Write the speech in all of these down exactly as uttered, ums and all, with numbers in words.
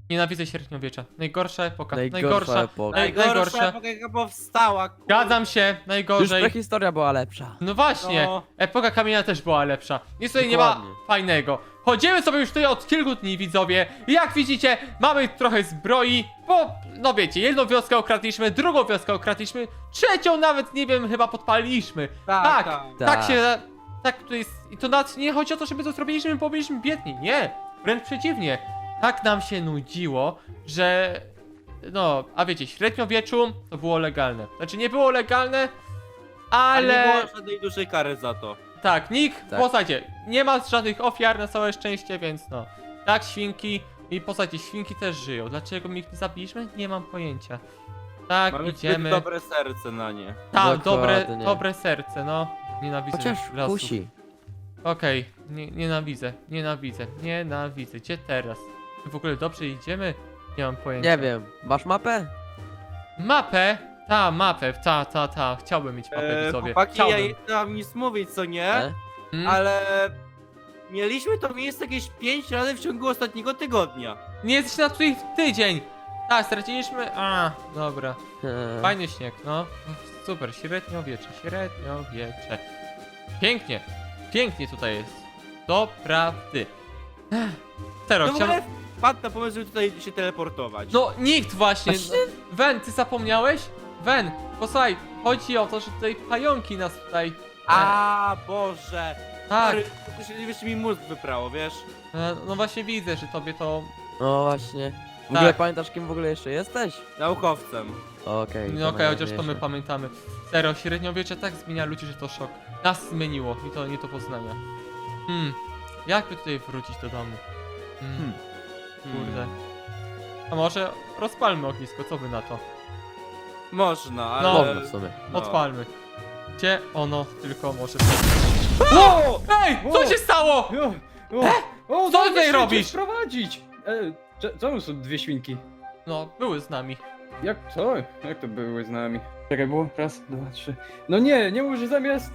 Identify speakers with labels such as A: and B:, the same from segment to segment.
A: Nienawidzę średniowiecza. Najgorsza epoka.
B: Najgorsza
A: Najgorsza.
B: epoka.
A: Naj,
C: Najgorsza
A: najgorsza.
C: epoka jaka powstała, kurwa.
A: Zgadzam się,
B: Już
A: najgorzej.
B: prehistoria była lepsza.
A: No właśnie,
C: No.
A: epoka kamienia też była lepsza. Nic tutaj nie ma
B: Dokładnie.
A: fajnego. Chodzimy sobie już tutaj od kilku dni, widzowie. I jak widzicie, mamy trochę zbroi, bo, no wiecie, jedną wioskę okradliśmy, drugą wioskę okradliśmy, trzecią nawet, nie wiem, chyba podpaliliśmy.
C: Tak,
A: tak,
C: tak.
A: tak
B: Tak.
A: się, tak to jest. I to nawet nie chodzi o to, żeby to zrobiliśmy, bo byliśmy biedni. Nie, wręcz przeciwnie. Tak nam się nudziło, że... No, a wiecie, w średniowieczu to było legalne. Znaczy nie było legalne, ale...
C: Ale nie było żadnej dużej kary za to.
A: Tak, nikt
B: Tak.
A: w zasadzie nie ma żadnych ofiar na całe szczęście, więc no. Tak, świnki i w zasadzie świnki też żyją. Dlaczego my ich nie zabiliśmy? Nie mam pojęcia. Tak,
C: Mamy
A: idziemy.
C: zbyt dobre serce na nie.
A: Tak, dobre,
B: Dokładnie.
A: dobre serce, no. Nienawidzę
B: Chociaż
A: lasów.
B: kusi.
A: Okej, nie, nienawidzę, nienawidzę, nienawidzę. Gdzie teraz? My w ogóle dobrze idziemy? Nie mam pojęcia.
B: Nie wiem, masz mapę?
A: Mapę? Ta, mapę, ta, ta, ta. Chciałbym mieć mapę,
C: E,
A: widzowie.
C: chłopaki, ja
A: Chciałbym.
C: nie mam nic mówić, co nie?
B: E?
A: Mm?
C: Ale... Mieliśmy to miejsce jakieś pięć razy w ciągu ostatniego tygodnia.
A: Nie jesteś na tutaj w tydzień! Tak, straciliśmy... A, dobra.
B: E,
A: Fajny śnieg, no. Super, średniowiecze, średniowiecze. Pięknie, pięknie tutaj jest. Doprawdy. Ech, Tero,
C: No w
A: chciałem...
C: ogóle wpadł na pomysł, żeby tutaj się teleportować.
A: No, nikt właśnie.
B: Właśnie?
A: No, Wen, ty zapomniałeś? Wen, posłuchaj, chodzi o to, że tutaj pająki nas tutaj...
C: A Boże!
A: Tak,
C: Sorry, to się wiesz, mi mózg wyprało, wiesz?
A: e, no właśnie widzę, że tobie to...
B: No właśnie. W ogóle
A: Tak.
B: pamiętasz, kim w ogóle jeszcze jesteś?
C: Naukowcem.
B: Okej.
A: No okej, chociaż to my
B: najważniejsze.
A: pamiętamy. Serio, średniowiecze tak zmienia ludzi, że to szok. Nas zmieniło i to nie do poznania. Hmm, jakby tutaj wrócić do domu? Hmm,
C: Hmm.
A: kurde. A może rozpalmy ognisko, co by na to?
C: Można, ale...
A: No.
B: Można w sumie.
C: No.
A: Odpalmy. Gdzie ono tylko może...
D: O!
A: Ej, co się stało?
D: O! O! O!
A: Co
D: daj
A: tutaj
D: się
A: robisz?
D: Sprowadzić! E, cze- czemu są dwie świnki?
A: No, były z nami.
D: Jak co? Jak to były z nami? Czekaj, było? Raz, dwa, trzy. No nie, nie mów, że zamiast...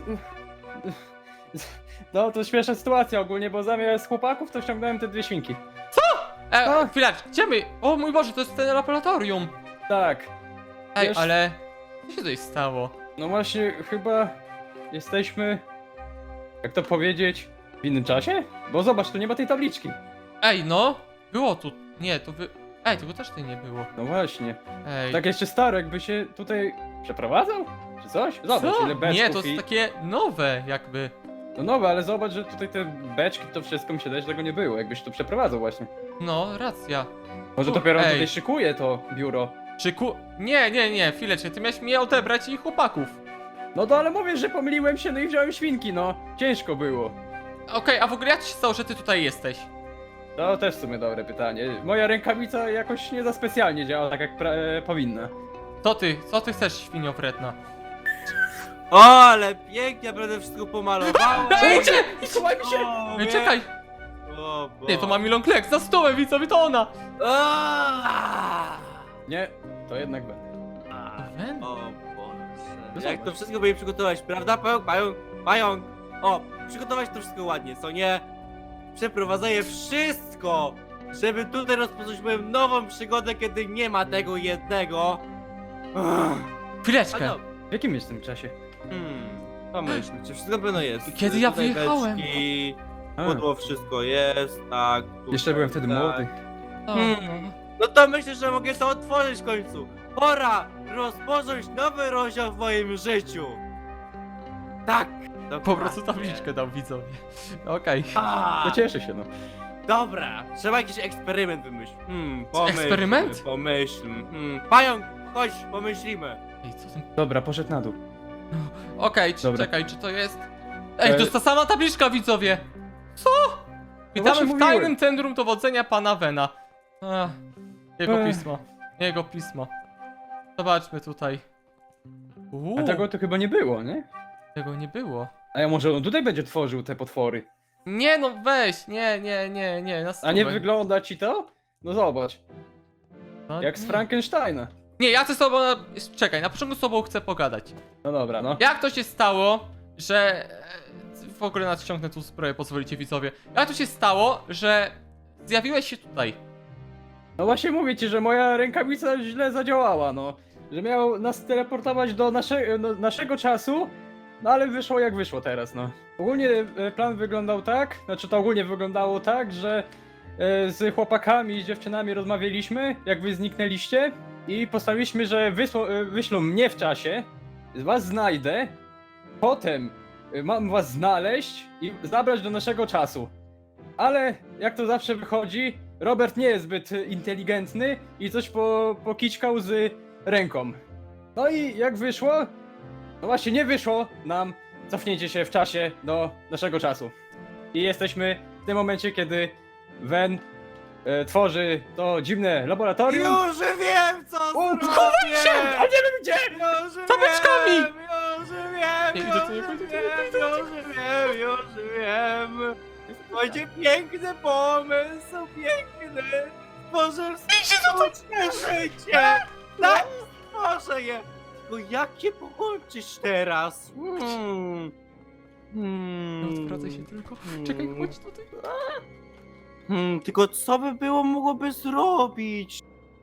D: No to śmieszna sytuacja ogólnie, bo zamiast chłopaków to ściągnąłem te dwie świnki.
A: E,
D: A.
A: chwileczkę, gdzie my? O mój Boże, to jest ten laboratorium.
D: Tak.
A: Ej,
D: Wiesz-
A: ale... Co się tutaj stało?
D: No właśnie, chyba jesteśmy... Jak to powiedzieć? W innym czasie? Bo zobacz, tu nie ma tej tabliczki.
A: Ej, no. Było tu... Nie, to wy... Ej, tego też tutaj nie było.
D: No właśnie.
A: Ej.
D: Tak jeszcze Starek by się tutaj przeprowadzał? Czy coś? Zobacz,
A: Co?
D: ile beczków
A: Nie, to
D: i...
A: jest takie nowe jakby.
D: No nowe, ale zobacz, że tutaj te beczki, to wszystko mi się daje, że tego nie było, jakbyś tu przeprowadzał właśnie.
A: No, racja.
D: Może
A: U,
D: dopiero on
A: ej.
D: tutaj szykuje to biuro.
A: Czy ku... Nie, nie, nie, chwileczkę, ty miałeś mnie odebrać i chłopaków.
D: No to ale mówię, że pomyliłem się, no i wziąłem świnki, no. Ciężko było.
A: Okej, a w ogóle jak to się stało, że ty tutaj jesteś?
D: To też w sumie dobre pytanie. Moja rękawica jakoś nie za specjalnie działa tak jak pra- e, powinna.
A: Co ty, co ty chcesz, świnio wredna?
C: O, ale pięknie, będę wszystko pomalowałem.
A: Ej, gdzie?
D: Słuchaj mi się!
C: O,
A: Ej,
C: wie-
A: czekaj!
C: O,
A: Nie, to ma Milon Kleks, za stołem, widzowie, to ona!
C: Aaaa!
D: Nie, to jednak będę.
A: Wen?
C: O
D: No
C: Boże. Jak
D: zobacz.
C: to wszystko będzie przygotować, prawda? Pająk, pająk, pająk. O, przygotować to wszystko ładnie, co nie? Przeprowadzę wszystko, żeby tutaj rozpocząć moją nową przygodę, kiedy nie ma tego jednego. Ach. A
A: Chwileczkę.
C: no,
D: W jakim jestem czasie?
C: hmm, pomyśl, czy wszystko na pewno jest.
A: Kiedy ja
C: Tutaj
A: wyjechałem?
C: beczki,
D: A,
C: Pudło wszystko jest, tak. tutaj,
D: jeszcze byłem wtedy
C: tak.
D: młody.
A: O,
C: Hmm. No to myślę, że mogę to otworzyć w końcu. Pora rozpocząć nowy rozdział w moim życiu. Tak.
A: Po
C: dokładnie.
A: prostu tabliczkę dał widzowie. Okej.
C: A,
D: To cieszę się, no.
C: Dobra, trzeba jakiś eksperyment wymyślić. Hmm, pomyślmy,
A: eksperyment?
C: Pomyślmy. Hmm, pająk, chodź, pomyślimy.
A: Ej, co ten...
D: Dobra, poszedł na dół.
A: Okej, czy-
D: Dobra.
A: czekaj, czy to jest... Ej, to
D: E-
A: jest ta sama tabliczka, widzowie! Co? Witamy
D: właśnie
A: w
D: mówiłem.
A: tajnym centrum dowodzenia pana Vena. Ach, jego
D: Ech.
A: pismo. Jego pismo. Zobaczmy tutaj. Uuu,
D: A tego to chyba nie było, nie?
A: tego nie było.
D: A ja może on tutaj będzie tworzył te potwory.
A: Nie no, weź, nie, nie, nie, nie, na
D: A nie
A: stówę.
D: wygląda ci to? No zobacz,
A: No,
D: jak z
A: nie.
D: Frankensteina.
A: Nie, ja chcę z tobą, czekaj, na początku z tobą chcę pogadać.
D: No dobra, no.
A: Jak to się stało, że... e, W ogóle nadciągnę tu zbroję, pozwolicie widzowie. Jak to się stało, że zjawiłeś się tutaj?
D: No właśnie mówię ci, że moja rękawica źle zadziałała, no. Że miał nas teleportować do nasze, no, naszego czasu, no ale wyszło jak wyszło teraz, no. Ogólnie e, plan wyglądał tak, znaczy to ogólnie wyglądało tak, że e, z chłopakami i z dziewczynami rozmawialiśmy, jak wy zniknęliście i postawiliśmy, że wysło, e, wyślą mnie w czasie, was znajdę, potem e, mam was znaleźć i zabrać do naszego czasu. Ale jak to zawsze wychodzi, Robert nie jest zbyt inteligentny i coś po, pokićkał z ręką. No i jak wyszło? No właśnie nie wyszło nam cofnięcie się w czasie do naszego czasu. I jesteśmy w tym momencie, kiedy Wen e, tworzy to dziwne laboratorium.
C: Już wiem, co
D: O,
C: zrobię!
D: schowaj się! A nie wiem gdzie!
C: Już
A: Tabliczkami!
C: wiem, już wiem,
A: Nie,
C: już
A: idę tu, nie
C: wiem,
A: pójdę, nie pójdę,
C: już wiem, już wiem. Będzie piękny pomysł, piękny. Możesz stworzyć życie. Tak, stworzę je. Tylko jak je połączyć teraz? Hmm.
A: No,
C: Hmm.
A: odwracaj się tylko. Czekaj, chodź tutaj.
C: Hmm, tylko co by było mogłoby zrobić?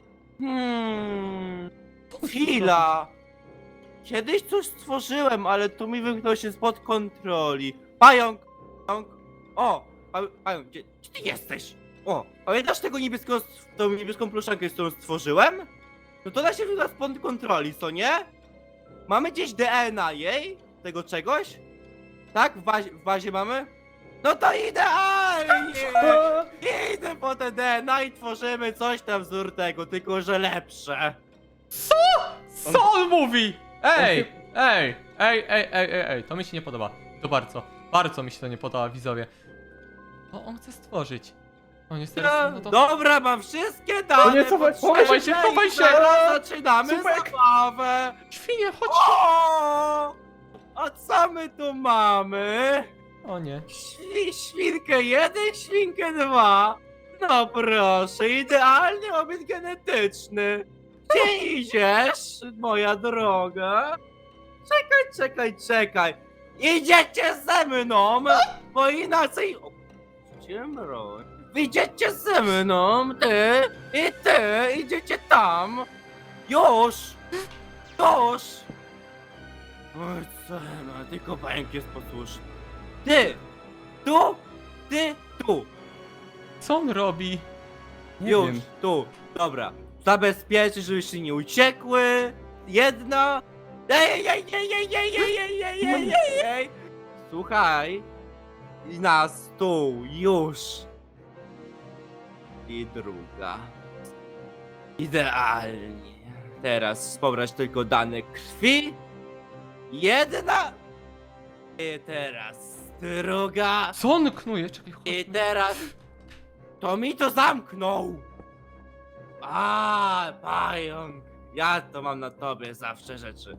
C: Hmm. Chwila. Kiedyś coś stworzyłem, ale to mi wymknęło się spod kontroli. Pająk! Pająk! O! Pa- Pająk, gdzie, gdzie ty jesteś? O! Pamiętasz tego niebieską, tą niebieską pluszankę, z którą stworzyłem? No to da się wymknąć spod kontroli, co nie? Mamy gdzieś D N A jej? Tego czegoś? Tak? W bazie, w bazie mamy? No to idealnie! Idę po te D N A i tworzymy coś tam wzór tego, tylko że lepsze.
A: Co on mówi? Ej, ej, ej, ej, ej, ej, ej, to mi się nie podoba. To bardzo, bardzo mi się to nie podoba, widzowie. To on chce stworzyć. No niestety, no to...
C: Dobra, mam wszystkie dane.
D: nie, cofaj,
C: potrzebne
A: chowaj się, chowaj
C: i
A: się!
C: Teraz zaczynamy
D: Supek!
C: zabawę.
A: Świnie, chodź!
C: O! A co my tu mamy?
A: O nie.
C: Świ świnkę jeden, świnkę dwa. No proszę, idealny obiad genetyczny. Gdzie idziesz, moja droga? Czekaj, czekaj, czekaj. Idziecie ze mną, bo inaczej... O, ciemno. Idziecie ze mną, ty i ty, idziecie tam. Już! Już! Oj, co ma, tylko pająk jest posłuszny. Ty! Tu! Ty! Tu!
A: Co on robi?
D: Nie
C: Już,
D: wiem.
C: tu, dobra. Zabezpieczyć, żebyście nie uciekły. Jedna. Ej, ej, ej, ej, ej, ej, ej, ej, ej, ej, ej. Słuchaj. I na stół, już. I druga. Idealnie. Teraz pobrać tylko dane krwi. Jedna. I teraz druga.
A: Co on knuje? Czekaj, chodź.
C: I teraz to mi to zamknął! A, pająk! Ja to mam na tobie zawsze rzeczy.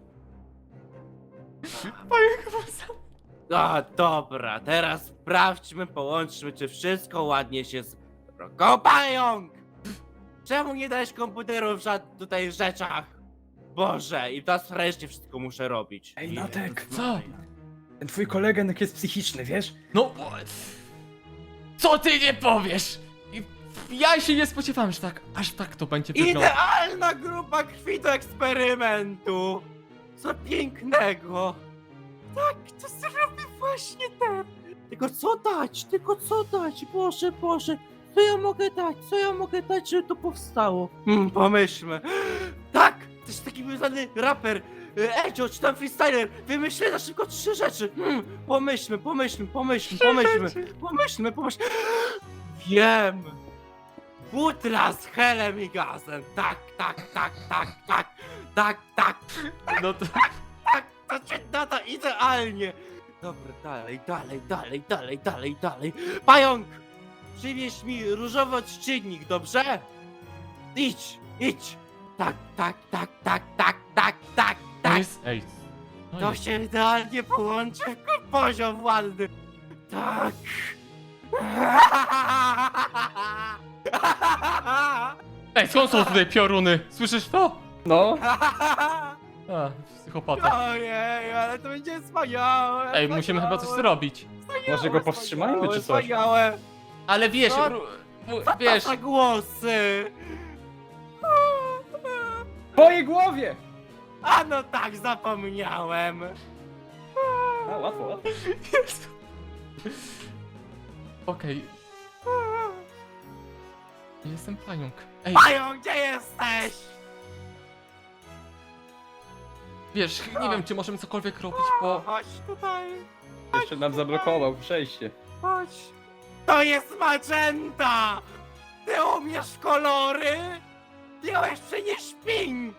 A: Pająk chyba sam.
C: A, dobra, teraz sprawdźmy, połączmy, czy wszystko ładnie się zbrogo. Pająk! Czemu nie dajesz komputeru w żadnych tutaj rzeczach? Boże, i teraz wreszcie wszystko muszę robić.
D: Ej, Natek.
A: Co?
D: Ten twój koleganek jest psychiczny, wiesz?
A: No... o, co ty nie powiesz? I- Ja się nie spodziewałem, że tak, aż tak to będzie wyglądać.
C: Idealna grupa krwi do eksperymentu! Co pięknego! Tak, to zrobię właśnie tak! Tylko co dać? Tylko co dać? Boże, Boże! Co ja mogę dać? Co ja mogę dać, żeby to powstało? Hmm, pomyślmy. Tak! To jest taki znany raper e, Edzio, czy tam freestyler! Wymyślę na szybko trzy rzeczy! Hmm, pomyślmy, pomyślmy, pomyślmy, pomyślmy! Pomyślmy, pomyślmy! Wiem! Butla z helem i gazem! Tak, tak, tak, tak, tak, tak, tak,
A: No to...
C: tak, to się nada idealnie! Dobra, dalej, dalej, dalej, dalej, dalej, dalej. Pająk! Przywieź mi różowy odczynnik, dobrze? Idź, idź! Tak, tak, tak, tak, tak, tak, tak,
A: On
C: tak!
A: jest... Ej. No
C: To
A: jest.
C: się idealnie połączy w poziom ładny. Tak.
A: Ej, skąd są tutaj pioruny? Słyszysz to?
D: No.
A: A, psychopata.
C: Ojej, ale to będzie wspaniałe.
A: Ej, musimy chyba coś zrobić.
D: Może go powstrzymajmy, czy coś?
C: Wspaniałe.
A: Ale wiesz,
C: Co?
A: ru- mu-
C: Co
A: wiesz,
C: to za głosy?
D: twojej głowie!
C: A no tak, zapomniałem.
D: A, łatwo, łatwo.
A: Jezu. Okej. Nie jestem pająk. Ej,
C: Pająk, gdzie jesteś?
A: wiesz, nie wiem, czy możemy cokolwiek robić, bo...
C: Chodź tutaj,
D: Jeszcze nam zablokował przejście.
C: chodź. To jest magenta! Ty umiesz kolory? Ty jeszcze nie śpink!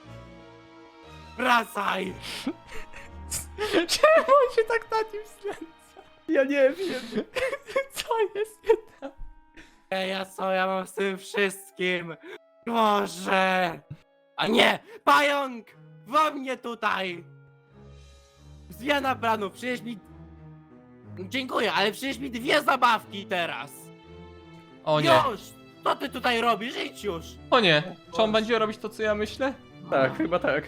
C: Wracaj!
A: Czemu on się tak na nim znęca?
D: Ja nie wiem.
A: Co jest nie tak?
C: Ej, ja co ja mam z tym wszystkim? Boże! A nie! Pająk! Wo mnie tutaj! Zmiana planu, przynieś mi... Dziękuję, ale przynieś mi dwie zabawki teraz!
A: O nie.
C: Już! Co ty tutaj robisz? Idź już!
A: O nie. Czy on będzie robić to, co ja myślę?
D: Tak, chyba tak.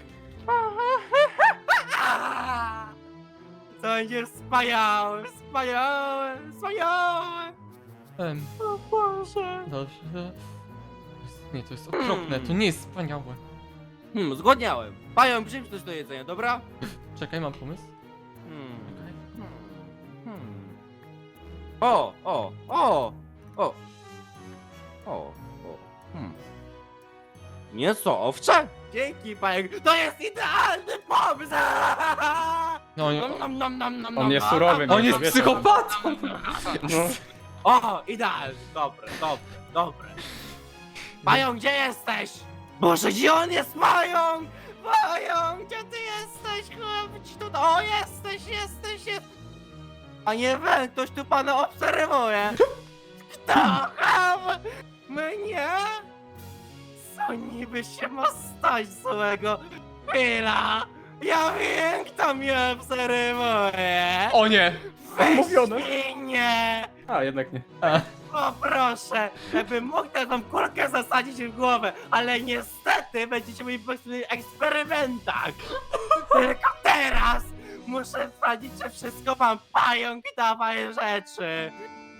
C: Aaa! To będzie wspaniałe, wspaniałe, wspaniałe!
A: Em,
C: O Boże!
A: dobrze. Nie, to jest okropne, to nie jest wspaniałe.
C: Hmm, zgodniałem. Pająk, przyjdź coś do jedzenia, dobra?
A: Czekaj, mam pomysł.
C: Hmm.
A: Czekaj.
C: Hmm. O, o, o, o, o, o, hmm. Mięso owcze? Dzięki, pająk. To jest idealny pomysł!
A: No, nie,
C: Nom, nom, nom, nom, nom,
D: On jest
C: nom,
D: surowy,
C: nom,
A: on jest
C: nom,
D: wiesz,
A: psychopatą!
D: No.
C: O, idealny, dobre, dobre, dobre. Pająk, gdzie jesteś? Boże, gdzie on jest, pająk? Pająk, gdzie ty jesteś? Chodź tu, o, jesteś, jesteś, jest. A nie wiem, ktoś tu pana obserwuje. Kto? Ham? Mnie? Co niby się ma stać złego? Chwila! Ja wiem, kto mnie obserwuje!
A: O nie!
D: Mówione.
C: Nie!
D: A, jednak nie.
A: A,
C: O proszę, jakbym mógł taką kulkę zasadzić w głowę, ale niestety będziecie mieli po prostu eksperymentach. Tylko teraz muszę sprawdzić, czy wszystko mam. Pająk, dawaj rzeczy.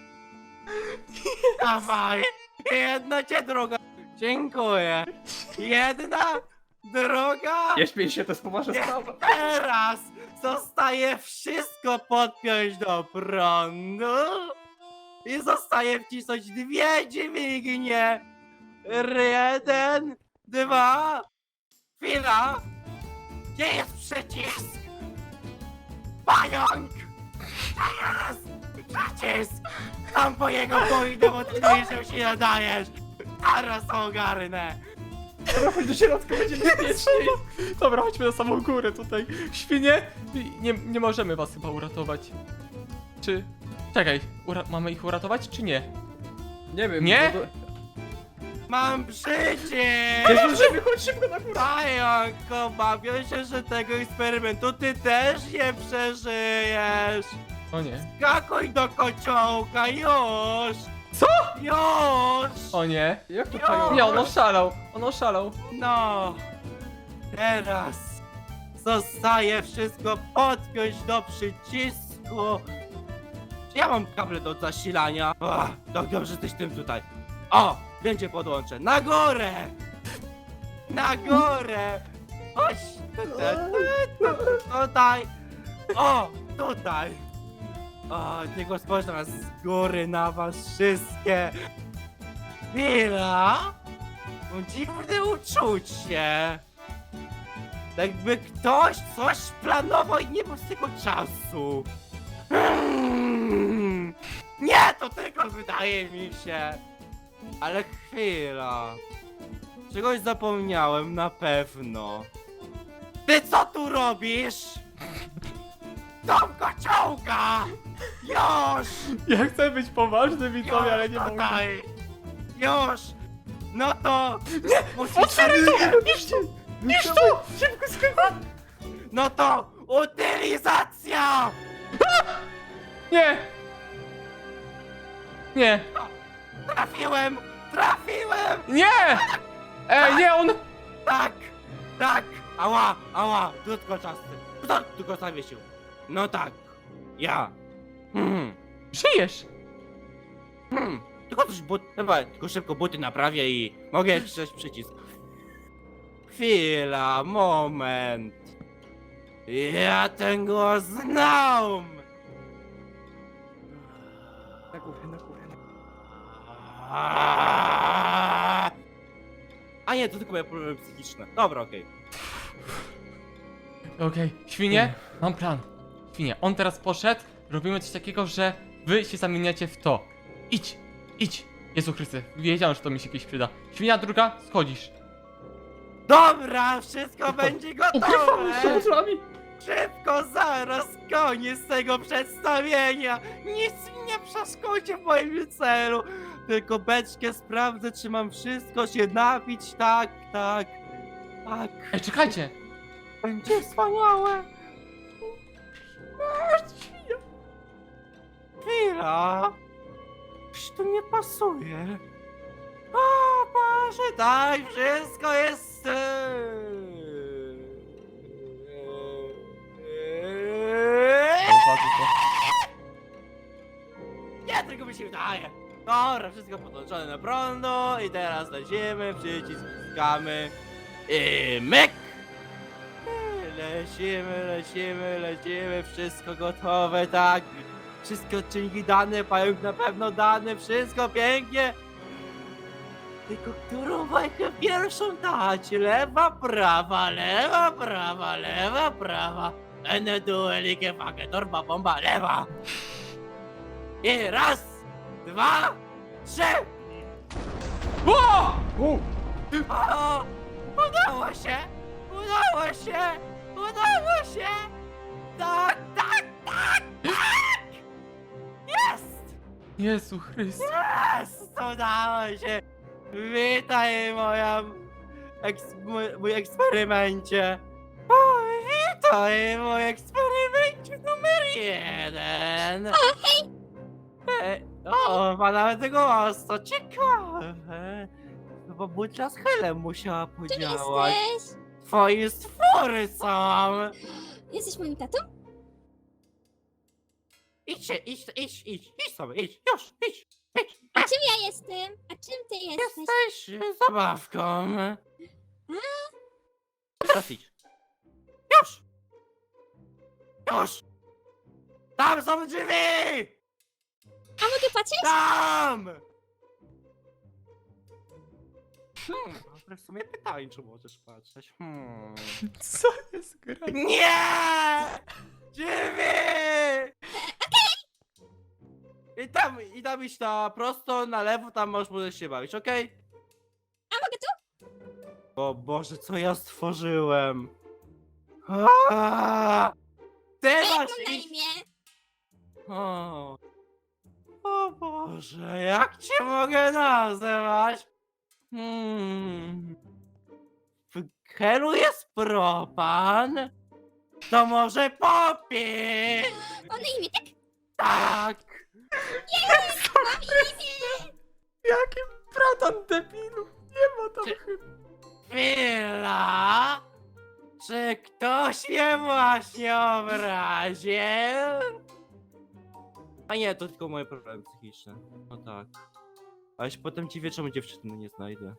C: Dawaj, jedna cię druga. Dziękuję. Jedna, druga.
D: Nie śmiej się, to jest poważna
C: Nie,
D: sprawa.
C: teraz zostaje wszystko podpiąć do prądu i zostaje wcisnąć dwie dźwignie. Jeden, dwa, chwila. Gdzie jest przycisk? Pająk! Gdzie jest przycisk? Tam po jego pójdę, bo ty mówisz, że się nadajesz. Zaraz ogarnę.
D: Dobra, chodź do środka, będzie bezpieczniej.
A: dobra, chodźmy na samą górę tutaj. Świnie! Nie, nie możemy was chyba uratować. Czy... Czekaj, ura mamy ich uratować, czy nie?
D: Nie wiem.
A: Nie?
D: bo to-
C: Mam przycisk!
D: Nie zdążymy, chodź szybko na górę.
C: Pająk, obawiam się, że tego eksperymentu ty też nie przeżyjesz!
A: O nie.
C: Skakuj do kociołka, już!
A: Co?
C: Już!
A: O nie.
D: Jak to
C: Jo!
D: pająk?
A: Nie, on oszalał. On oszalał.
C: No! Teraz zostaje wszystko podpiąć do przycisku. Czy ja mam kable do zasilania? Ach, tak dobrze, jesteś tym tutaj. O! Będzie podłączę. Na górę! Na górę! Chodź! Tutaj! Tutaj! O! Tutaj! O, tylko spojrzę na z góry na was wszystkie! Chwila! Mam dziwne uczucie! Jakby ktoś coś planował i nie był z tego czasu! Hmm. Nie, to tylko wydaje mi się! Ale chwila. Czegoś zapomniałem na pewno. Ty co tu robisz? Dom kociołka! Już!
A: Ja chcę być poważny, widzowie, ale nie
C: Już
A: mogę.
C: tutaj! Już! No to... Nie! Musisz...
A: Otwieraj to! Niż tu! Niż tu!
D: Szybko, szybko.
C: No to... Utylizacja!
A: Nie! Nie!
C: Trafiłem! Trafiłem!
A: Nie! Ej, nie, on...
C: Tak! Tak! Ała! Ała! Krótko czasy! Kto tu go zawiesił? No tak! Ja! Hmm.
A: Żyjesz!
C: Hmm. Tylko coś but... Chyba tylko szybko buty naprawię i mogę wcisnąć przycisk. Chwila, moment. Ja ten głos znam!
D: Na górę, na górę. Na...
C: A nie, to tylko moje problemy psychiczne. Dobra, okej.
A: Okej, świnie, mam plan. Świnie, on teraz poszedł, robimy coś takiego, że wy się zamieniacie w to. Idź, idź. Jezu Chryste, wiedziałem, że to mi się kiedyś przyda. Świnia druga, schodzisz.
C: Dobra, wszystko będzie
D: Ukrywamy się
C: gotowe!
D: z wami!
C: Szybko, zaraz koniec tego przedstawienia! Nic mi nie przeszkodzi w moim celu! Tylko beczkę sprawdzę, czy mam wszystko się napić, tak, tak, tak.
A: Ej, czekajcie.
C: Będzie wspaniałe! Chwila! Coś tu nie pasuje. O Boże, daj, wszystko jest... Nie, tylko mi się wydaje. Dobra, wszystko podłączone na prądu i teraz lecimy, przycisk wciskamy i myk! Lecimy, lecimy, lecimy, wszystko gotowe, tak. Wszystkie odcinki dane, pająk na pewno dane, wszystko pięknie. Tylko którą bajkę pierwszą dać? Lewa, prawa, lewa, prawa, lewa, prawa. Ene duelike fake, torba, bomba, lewa. I raz, dwa, trzy.
A: O!
D: U!
C: O, udało się! Udało się! Udało się! Tak, tak, tak, tak! Jest!
A: Jezu Chryste.
C: Jest! Udało się! Witaj moja... Eks, mój, mój eksperymencie! O, witaj mój eksperymencie numer jeden! O, hej! O, ma nawet głos, to ciekawe! Bo butla z helem musiała
E: Czym
C: podziałać.
E: jesteś?
C: Twoje stwory są!
E: Jesteś moim tatą?
C: Idźcie, idź, idź, idź, idź sobie, idź, już, idź, idź.
E: A czym ja jestem? A czym ty jesteś?
C: Jesteś zabawką. Teraz idź. Już! Już! Tam są drzwi!
E: A mogę patrzeć?
C: Tam! Hmm, dobre w sumie pytanie, czy możesz patrzeć. Hmm.
A: Co jest grane?
C: Nie! Drzwi! I tam, i tam iść na prosto, na lewo, tam możesz możesz się bawić, okej?
E: A mogę tu?
C: O Boże, co ja stworzyłem? Aaaa! Ty
E: A jak mam
C: masz
E: na
C: iść...
E: imię?
C: O, o Boże, jak cię mogę nazywać? Hmm. W Helu jest propan? To może popie?
E: Mam na imię, tak?
C: Tak!
E: Mam imię!
A: Jaki bratan debilu. Nie ma tam
C: Czy-
A: chyba.
C: Chwila! Czy ktoś mnie właśnie obraził? A nie, to tylko moje problemy psychiczne. No tak. Ale się potem dziwię, czemu dziewczyny nie znajdę.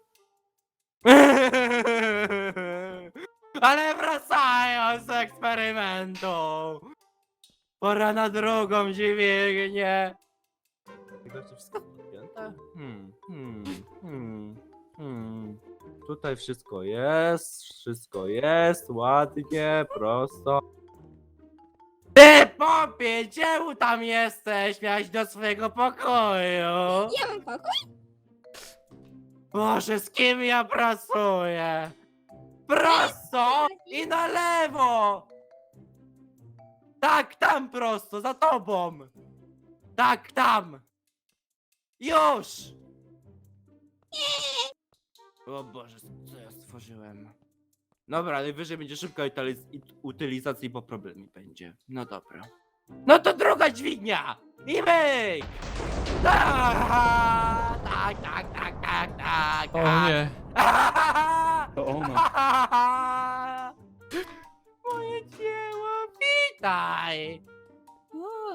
C: Ale wracając z eksperymentu! Pora na drugą dźwignię! Tylko czy wszystko podpięte? Hmm, hmm, hmm, hmm. Tutaj wszystko jest, wszystko jest, ładnie, prosto. Ty, popie, czemu tam jesteś? Miałeś do swojego pokoju.
E: Ja mam pokój?
C: Boże, z kim ja pracuję? Prosto i na lewo! Tak, tam prosto, za tobą! Tak, tam! Już! O Boże, co ja stworzyłem? Dobra, najwyżej będzie szybka utyliz- it- utylizacja i po problemie będzie. No dobra. No to druga dźwignia! I myk! Tak, tak, tak, tak, tak, tak.
A: O nie.
D: To ona.
C: Moje dzieło, witaj!
E: O,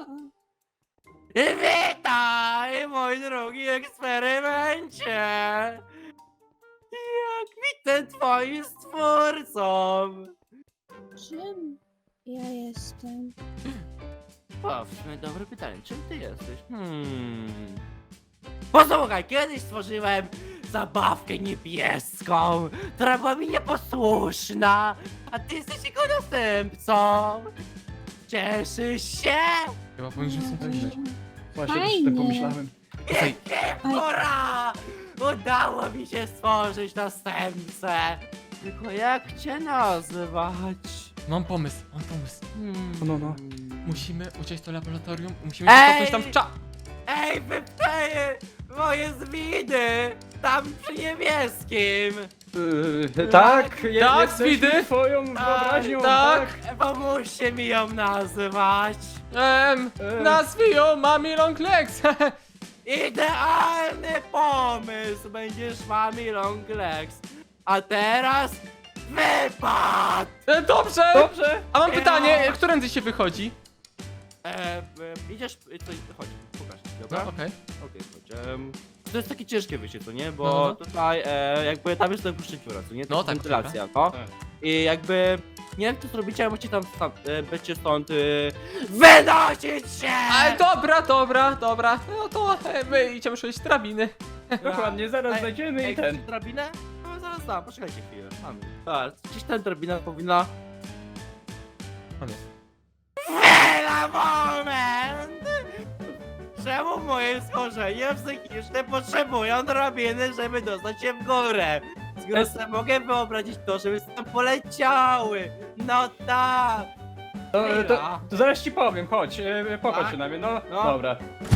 C: Witaj, mój drogi eksperymencie! kwitnę twoim stwórcą.
E: Czym ja jestem?
C: O, w sumie dobre pytanie, czym ty jesteś? Hmm... Posłuchaj, kiedyś stworzyłem zabawkę niebieską, która była mi nieposłuszna, a ty jesteś jego następcą. Cieszysz się?
A: Chyba powinniśmy sobie pomyśleć.
D: Właśnie też
E: Fajnie.
D: tak pomyślałem.
A: Słuchaj,
C: Ura! Udało mi się stworzyć następcę. Tylko jak cię nazywać?
A: mam pomysł, mam pomysł.
C: Hmm.
D: No, no.
A: Musimy uciec do laboratorium i musimy się
C: Ej!
A: cofnąć tam w cza...
C: Ej, wypczaję moje zwiny! Tam przy niebieskim!
D: Yy, tak, je,
A: tak,
D: jesteśmy
A: widy.
D: twoją wyobraźnią,
A: tak.
D: tak.
C: Pomóżcie mi ją nazywać!
A: Em,
D: E.
A: nazwij ją Mami Long Legs.
C: Idealny pomysł! Będziesz Mami Long Legs! A teraz wypad!
A: E, Dobrze!
D: Dobrze.
A: A mam
C: Ja.
A: pytanie, którędy się wychodzi?
C: E, e, idziesz, e, to chodź, pokaż, dobra?
A: No, okej.
C: Okej, chodź. em, to jest takie ciężkie wyjście, co nie? Bo
A: No, no.
C: tutaj e, jakby tam jest ten puszczyciura, co nie? To
A: No,
C: jest
A: tak,
C: wentylacja, no.
D: Tak.
C: I jakby nie wiem jak to zrobicie, ale musicie tam, tam e, będziecie stąd e, wynosić się!
A: Ale dobra, dobra, dobra. No to e, my idziemy szukać drabiny.
D: Dokładnie, zaraz
C: Ej,
D: znajdziemy
C: Ej,
D: i ten.
C: chcecie drabinę? No zaraz dam, poczekajcie chwilę. Mamy. Tak, gdzieś ta drabina powinna...
A: On jest.
C: Chwila, moment! Czemu moje schorzenie psychiczne potrzebują drabiny, żeby dostać się w górę? Skoro sobie mogę wyobrazić to, żeby tam poleciały! No tak!
D: To, to,
C: Chwila.
D: to zaraz ci powiem, chodź, e, popatrz
C: Tak?
D: się na mnie, no,
C: No.
D: dobra.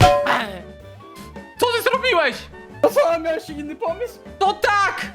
A: Co ty zrobiłeś?
D: To co, miałeś inny pomysł?
A: To tak!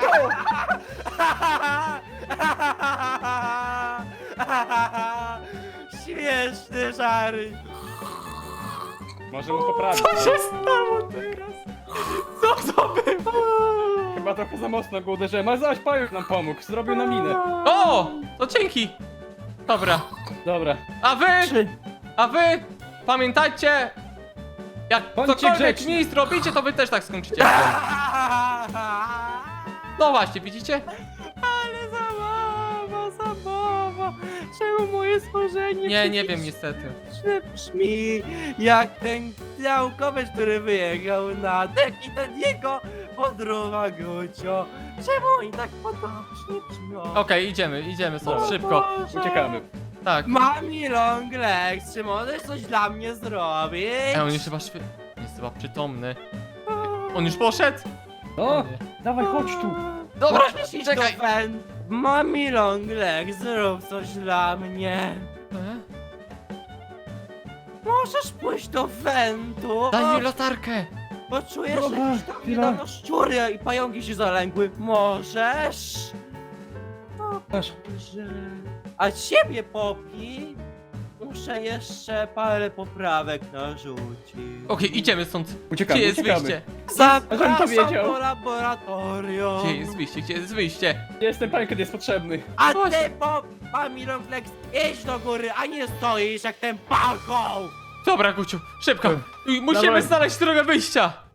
C: Śmieszny żary!
D: Może mu poprawić.
A: Co się stało teraz? Co to było?
D: Chyba trochę za mocno go uderzyłem, ale zaś Pająk nam pomógł, zrobił nam minę.
A: O! To dzięki! Dobra.
D: Dobra.
A: A wy!
C: Trzy.
A: A wy! Pamiętajcie! Jak
D: Bądźcie
A: cokolwiek
D: grzeczni.
A: mi zrobicie, to wy też tak skończycie. jak on. No właśnie, widzicie?
C: Ale zabawa, zabawa! Czemu moje stworzenie
A: Nie, nie wiem niestety.
C: psychiczne brzmi jak ten działkowiec, który wyjechał na dek i ten jego podruwa Gucio. Czemu oni tak podobnie brzmią?
A: Okej, idziemy, idziemy stąd,
C: O
A: szybko.
C: Boże.
D: Uciekamy.
A: Tak.
C: Mami Long Legs, czy możesz coś dla mnie zrobić?
A: Ej, on już chyba szwy... jest chyba przytomny. On już poszedł?
D: No,
A: O nie.
D: dawaj, chodź tu.
A: Dobra,
C: Możesz iść
A: czekaj.
C: do wen... Mami Long Legs, zrób coś dla mnie.
A: E?
C: Możesz pójść do wentu?
A: Daj mi latarkę!
C: Bo czujesz,
D: Dobra,
C: że jakieś tam
D: chwila.
C: niedawno szczury i pająki się zalęgły. Możesz?
D: Masz.
C: Że... A ciebie, Popi? Muszę jeszcze parę poprawek narzucić.
A: Okej, idziemy stąd.
D: Uciekamy,
A: Gdzie jest
D: uciekamy.
A: wyjście?
C: Zapraszam
D: powiedział.
C: do laboratorium.
A: Gdzie jest wyjście? Gdzie jest wyjście?
D: Jestem Pająk, kiedy jest potrzebny.
C: A
A: Chodź.
C: ty, Pop, Mami Longlegs, idź do góry, a nie stoisz jak ten pachoł!
A: Dobra, Guciu, szybko. Musimy
D: Dawaj.
A: znaleźć drogę wyjścia.